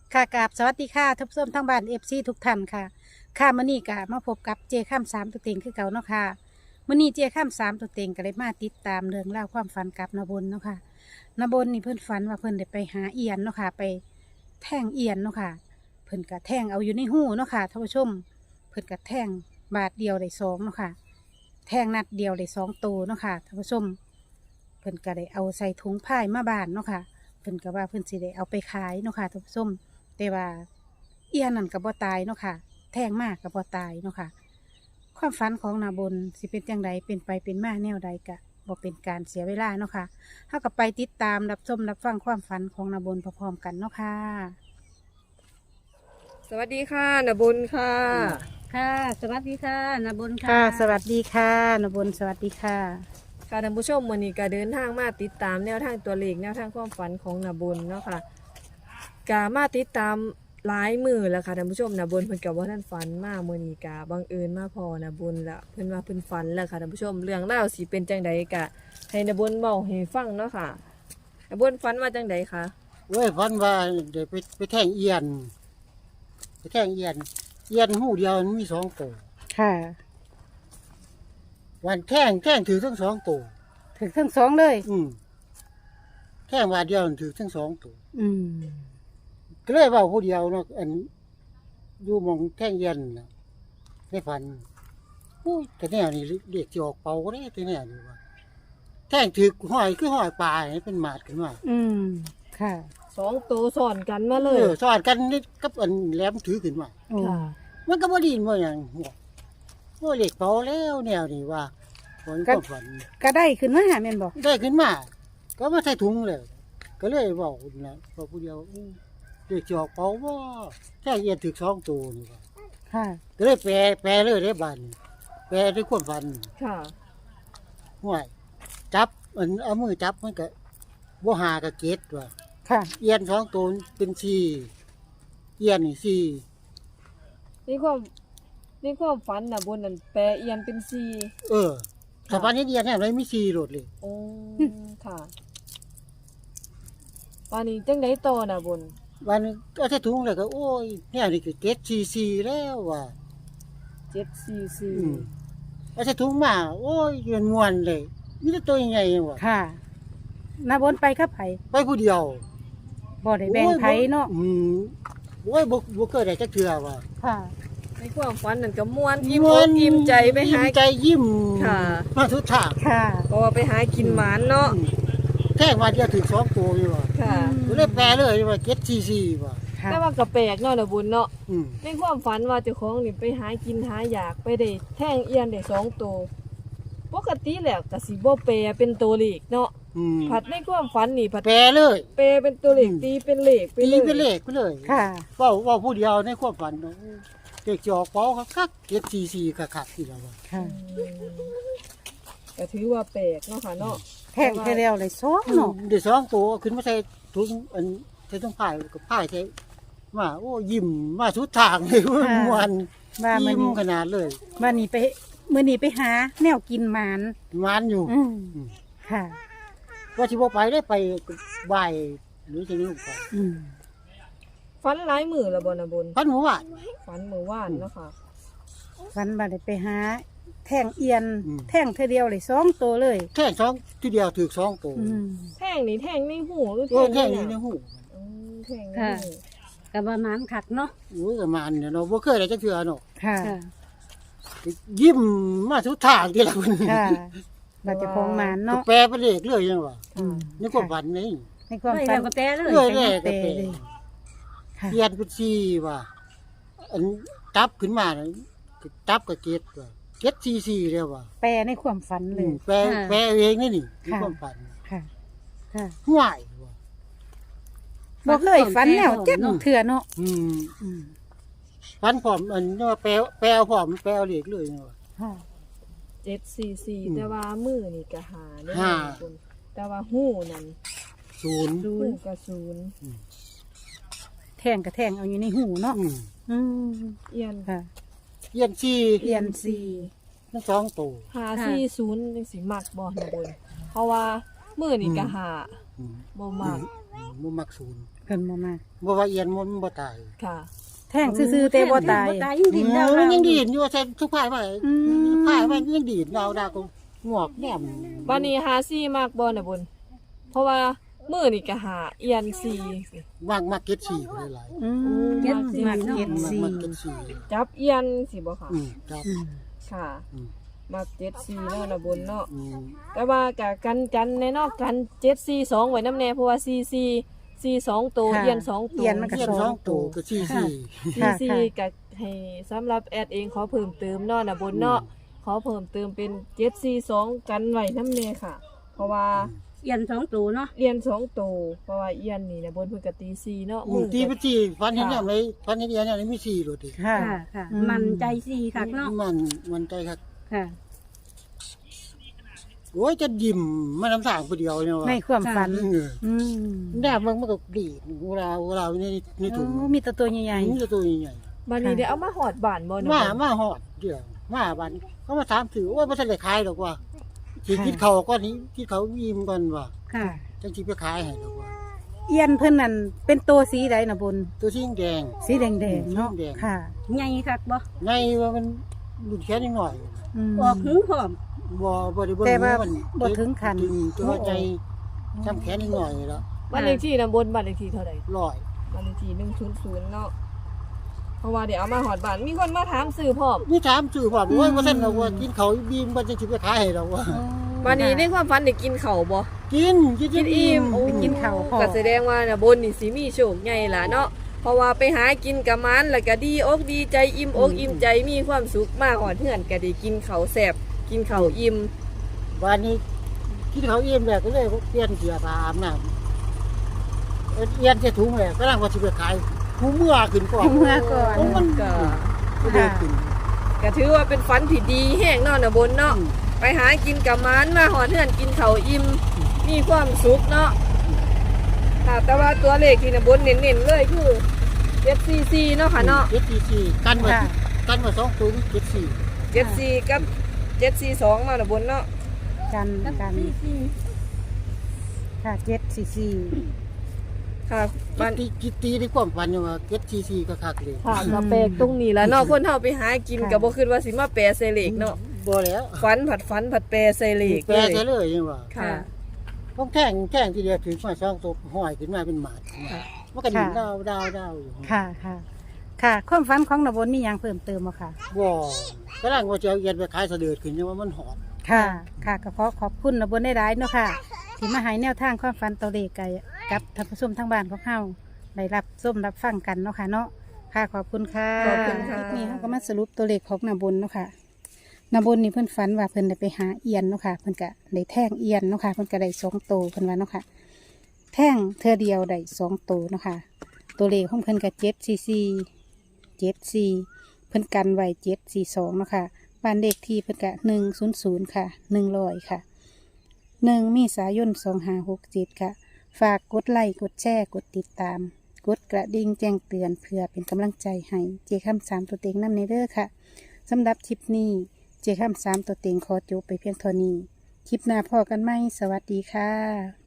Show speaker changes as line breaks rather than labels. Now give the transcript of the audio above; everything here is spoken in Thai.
ค่ะกราบสวัสดีค่ะท่านผู้ชมทั้งบ้านทุกท่านค่ะค่ะมื้อนี้ก็มาพบกับเจข้ามสามตัวเต็งคือเก่าเนาะค่ะมื้อนี้เจข้ามสามตัวเต็งก็เลยมาติดตามเรื่องราวความฝันกับนบนเนาะค่ะนบนนี่เพิ่นฝันว่าเพิ่นได้ไปหาเอียนเนาะค่ะไปแท่งเอียนเนาะค่ะเพิ่นก็แท่งเอาอยู่ในหูเนาะค่ะท่านผู้ชมเพิ่นก็แท่งบาทเดียวได้สองเนาะค่ะแท่งนัดเดียวได้สองตัวเนาะค่ะท่านผู้ชมเพิ่นก็ได้เอาใส่ถุงผ้ามาบานเนาะค่ะเพิ่นก็ว่าเพิ่นสิได้เอาไปขายเนาะค่ะท่านผู้ชม แต่ว่าเอียนั่นกับบ่ตายเนาะค่ะแท่งมากกับบ่ตายเนาะค่ะความฝันของนาบนสิเป็นจังใดเป็นไปเป็นมาแนวใดกะบ่เป็นการเสียเวลาเนาะค่ะเฮากับไปติดตามรับชมรับฟังความฝันของนาบนพร้อมๆกันเนาะค่ะ
สวัสดีค่ะนบุญค่ะ
ค่ะ สวัสดีค่ะนาบนค่ะสวัสดีค่ะนาบนสวัสดีค่ะ
ค่ะท่านผู้ชมวันนี้ก็เดินทางมาติดตามแนวทางตัวเลขแนวทางความฝันของนบุญเนาะค่ะกามาติดตามหลายมือแล้วค่ะท่านผู้ชมนบุญเพิ่นกับว่าท่านฝันมามื้อนี้กาบังเอิญมาพอนบุญละเพิ่นว่าเพิ่นฝันแล้วค่ะท่านผู้ชมเรื่องราวสิเป็นจังใดกะให้นบุญเว้าให้ฟังเนาะค่ะนบุญฝันว่าจังใดคะ
เว้ยพันว่าเดี๋ยวไปแท่งเอียนไปแท่งเอียนหูเดียวมันมีสองตัว
ค่ะ
วันแท่งถือทั้งสองตัว
ถึงทั้งสองเลย
แท่งว่าเดียวถือทั้งสองตัว
อืม
ก็เลยว่าผู้เดียวเนาะอันอยู่หมองแท่งเอียนน่ะในฝันอู้แต่แนวนี้เรียกจะออกเป่าก็ได้แต่แนวนี้ว่าแท่งถือห้อยคือห้อยปลาให้เป็นหมาดขึ้นมา
อืมค่ะ
สองตัวสอนกันมาเลย
สอดกันนี่กับอันแหลมถือขึ้นมา
โอ้
ค่ะ
มันก็บ่ดีบ่อย่างว่าเรียกเป่าแล้วแนวนี้ว่าผลก็ฝัน
ก็ได้ขึ้นมาแม่นบอก
ได้ขึ้นมา ก็มาใส่ถุงเลย ก็เลยบอกนะบอกผู้เดียวเด็กจอกเป่าว่าแค่เอียนถึกสองตัวนี่ว่า
ค่ะ
ก็เลยแปลเลยได้บันแปลด้วยความฝัน
ค่ะ
ห่วยจับมันเอามือจับมันก็บ่หากับเกตว่า
ค่ะ
เอียนสองตัวเป็นสี่เอียนนี่สี่
นี่ความฝันนบุญนั่นแปลเอียนเป็นซี
ถ้าฝันนี้เอียนเนี่ยเลยมีสี่โหลดเลย
โอ้ค่ะวันนี้จังได้ต่อนะบุญ
วันนี้ก็ใส่ถุงเลยก็โอ้ยเนี่ยนี่ก็เกตสี่แล้วว่ะ
744
เอาใส่ถุงมาโอ้ยเงินมวนเลยนี่ตัวใหญ่ๆว่ะ
ค่ะนาบนไปครับไผ
ไปผู้เดียว
บ่ได้แบ่งไผเนาะ
โอ้ยบ่เคยได้จักเทื่อว่ะ
ค่ะ
ในความฝันนั่นก็ม่วนอิ่มอกอิ่มใจไปหา
ยิ้มใจยิ้ม
ค่ะ
มาทุกทาง
ค่ะ
เพราะว่าไปหากินหมานเนาะ
แท่งว่าเดียวถึงสองตัวอยู่ว่ะ
ค่ะ
ก็เลยแปลเลยว่าเก็ตซีว่ะ
ค่ะ
แต่ว่าก็แปลกเนาะนะบุญเนาะ
อืม
ในความฝันว่าเจ้าของนี่ไปหากินหาอยากไปได้แท่งเอียนได้2ตัวปกติแล้วก็สิบ่แปลเป็นตัวเลขเนาะ
อืม
ผัดในความฝันนี่ผัด
แปลเลย
แปลเป็นตัวเลขตีเป็นเลขไป
ตี
เลย
เป็นเลขไปเลย
ค่ะ
ว่าผู้เดียวในความฝันเนาะเด็กจอกเป้าคักเก็ตซีคักๆที่แล้วว่ะ
ค่ะ
ก็ถือว่าแปลกเนาะค่ะเนาะ
แท่งแค่เดียวเลยสองเนาะ
เดี๋ยวสองตัวขึ้นมาใส่ถุงอันใส่ถุงผ้ากับผ้าใส่มาโอ้ยิ้มมาสุดทางเลยม่วน
ว่ามื้อ
ยิ้ม
นี้
ขนาดเลย
วันนี้ไปมื้อนี้ไปหาแนวกินหมาน
มันอยู่
อืมค่ะ
ว่าสิบ่ไปได้ไปบ่ายหรือจะนี่ไป
อืม
ฝันหลายมื้อแล้วบ่นะบุญ
พันหมู่ว่าน
ฝันมื้อวานเนาะค่ะ
วันบ่ได้ไปหาแท่งเอียน
อืม
แท่งเท่าเดียวเลยสองตัวเลย
แท่งสองทีเดียวถือสองตัว
อืม
แท่งนี่แท่งในหูหรือ
โอ้ย
แท่
แท่
ง
ง
ใน
นี้
ห
ใน
น้า
หู
แท่งใน
ค่ะ
หู
กับประมาณขัดเนาะ
โอ้ยก็มันเนี่ยเนาะบ่เคยได้จักเทื่อเนาะ
ค่ะ
ยิ้มมาสุดทางที่ละคน
ค่ะเราจะคงหมานเนาะ
แปลเป็นเลขเลยยังว่า
อืม
นี่ความฝันนี่
ในความฝันก็แปลเลย
เรื่อยแรกก็
แปล
แปล
เลยค่ะ
เปลี่ยนเป็นสี่ว่าอันจับขึ้นมาน่ะจับกับเกตว่าเกตซีแล้วว่า
แปลในความฝันเลย
แปลเองนี่นี่มีความฝัน
ค่ะ ค่ะ
ห่วยว่ะ
บอกเลยฝันแล้วเจ็บเถื่อเนาะ
อืม
อืม
ฝันพร้อมอันนี้ว่าแปลพร้อมแปลเลขเลยเนี่ยว่ะ
ค่ะ
744แต่ว่ามือนี่ก็หาเด้อ
ห้า
คุณแต่ว่าหูนั่น
ศูนย์
หูก็ศูนย์
แท่งกับแท่งเอาอยู่ในหูเนาะ
อืม
อืม
เอียน
ค่ะ
เยี่ยนสี่
เอียนซี
ทั้งสองตัว
540จังสิมักบ่นะบุญเพราะว่ามือนี่ก็หา
อืม
บ่มาก
บ่มักศูนย์
เพิ่นบ่มา
บ่ว่าเอียนมันบ่ตาย
ค่ะ
แท่งซื่อๆแต่บ่ตาย
ยังดินดาว
มันยังดีดอยู่ว่าใส่ทุกพายไว้
อืม
พายไว้ยังดีดดาวก็งอกแหนม
บัดนี้หาซี่มากบ่น่ะบน เพราะว่ามื้อนี่ก็หาเอียนซี่
มักเก็ต4บ่ได้หลาย
อืม
เจ็ดสี่
มักเจ็ด
มัก
สี่
เก็ต4
จับเอียนสิบ่ค่ะ
ครับ
อืม
ค่ะ
อืม
มา74เนาะน่ะบนเนาะ
อืม
แต่ว่าก็กันในนอกกัน742ไว้นำแน่เพราะว่า44 ตัว
ค่ะ
เอียน2ตัว
เอียนมันก็
เอียน
สอง
2ตัวก็4
ค่ะ
44ก็ให้สำหรับแอดเองขอเพิ่มเติมเนาะน่ะบนเนาะขอเพิ่มเติมเป็น742กันไว้นำแน่ค่ะ เพราะว่า
เอียนสองตัวเนาะ
เอียน2ตัวเพราะว่าเอียนนี่น่ะบนเพิ่นก็ตี4เนาะมือ
ตีไป
ก็
ที่ฟันเห็นอย่างไรฟันเห็นอย่างนี้มี4โลดดิ
ค่ะ
ค่ะค่ะ
อืม
มันใจสี่คักเนาะ
มันใจครับ
ค่ะ
โอ้ยจะยิ้มมันน้ำสางผู้เดียวเนี่ยว่ะ
ในความฝัน
เออ
อืม
แนบมันก็ดีดเวลาในถุง
โอ้มีแต่ตัวใหญ่
มันจะตัวใหญ่
บัดนี้ได้เอามาหอดบ้านบ่
ๆ
เนาะ
มาหอดเดียวมาบันเขามาถามถือว่าไม่ทันได้ขายหรอกว่าสิคิดเขาก้อนนี้คิดเขายิ้มกันว่า
ค่ะ
จังสิไปขายให้หรอกว่า
ๆเอียนเพิ่นนั่นเป็นตัวสีใดน่ะบน
ตัวสีแดง
สีแดงๆเนาะ
สีแดง
ค่ะ
ใหญ่คักบ่
ไงว่ามันหลุดแค่นิดหน่อย
อืม
ออกหูพร้อม
บ่ได้เบิ่ง
แต่ว่า
มัน
บ่ถึงขั้น
ตัวใจจำแขนนิดหน่อยแล้ว
บ้านเลขที่น่ะบนบ้านเลขที่เท่าใด
ลอย
บ้านเลขที่100เนาะเพราะว่าเดี๋ยวเอามาหอดบ้านมีคนมาถามซื้อพร้อม
นี่ถามสื่อว่าโอ้ยว่าท่านเราว่ากินเขาบีมมันจะสิไปขายให้เราว่า
วันนี้ในความฝันได้กินข้าวบ่
กิน
กินอิ่ม
ไปกินข้าวพอ
ก็แสดงว่าน่ะบนนี่สิมีโชคใหญ่ล่ะเนาะเพราะว่าไปหากินกับมันแล้วก็ดีอกดีใจอิ่มอกอิ่มใจมีความสุขมากหอดเฮือนก็ได้กินข้าวแซ่บกินข้าวอิ่ม
วันนี้กินเขาอิ่มแล้วก็เลยเปลี่ยนเสื้อผ้าอาบน้ำเอียนใส่ถุงแล้วก็ร่างว่าสิไปขายหูเมื่อขึ้นก่อน
เมื่อก่อน
โมัน
ก็
ก็เลยขึ้น
ก็ถือว่าเป็นฝันที่ดีแห้งเนาะน่ะบนเนาะไปหากินกับมันมาหอดเฮือนกินข้าวอิ่มมีความสุขเนาะค่ะแต่ว่าตัวเลขที่น่ะบนเน้นๆเลยคือ744เนาะค่ะเนาะ
เจ็ดสี่สี่กันมา
ค่ะ
กันมา2ถุงเจ็ดสี่
74กับ742มาน่ะบนเนาะ
กันกัน
สี่สี่
ค่ะ744
ค่ะบ้าน
กิตีในความฝันอยู่ว่าเจ็ดสี่สี่ก็คักเลย
ค่ะก็แปลกตรงนี้แหล้วเนาะคนเฮาไปหากินก็บ่คิดว่าสิมาแปลใส่เลขเนาะ
บ่แล้ว
ฝันผัดแปลใส่เลข
แปลใช่เลยยังว่า
ค่ะ
ต้องแท่งทีเดียวถึงมา2ตัวห้อยขึ้นมาเป็นหมาดมันก็ดิ่งดาวอยู่
ค่ะค่ะ ค่ะ ความฝันของนบนมีหยังเพิ่มเติมบ่ค่ะ
บ่กำลังว่าจะเอาเอียนไปขายเสด็จขึ้นยังว่ามันหอด
ค่ะ ค่ะก็ขอขอบคุณนบนได้หลายๆเนาะค่ะ ที่มาให้แนวทางความฝันตัวเลขกับท่านผู้ชมทางบ้านของเฮาได้รับส้มรับฟังกันเนาะค่ะเนาะ ค่ะ ขอบคุณค่ะ
ขอบคุณค่ะ
ลิปนี้เฮาก็มาสรุปตัวเลขของนบนเนาะค่ะนบนนี่เพิ่นฝันว่าเพิ่นได้ไปหาเอียนเนาะค่ะ เพิ่นก็ได้แท่งเอียนเนาะค่ะ เพิ่นก็ได้2ตัวเพิ่นว่าเนาะค่ะ แท่งเธอเดียวได้2ตัวเนาะค่ะ ตัวเลขของเพิ่นก็744เพิ่นกันไว้742เนาะค่ะบ้านเลขที่เพิ่นก็100ค่ะ100ค่ะ1เมษายน2567ค่ะ ฝากกดไลค์กดแชร์กดติดตาม กดกระดิ่งแจ้งเตือนเพื่อเป็นกำลังใจให้เจคำ3ตัวเต็งนำในเด้อค่ะสำหรับคลิปนี้เจคำ3ตัวเต็งขอจบไปเพียงเท่านี้ คลิปหน้าพอกันไหมสวัสดีค่ะ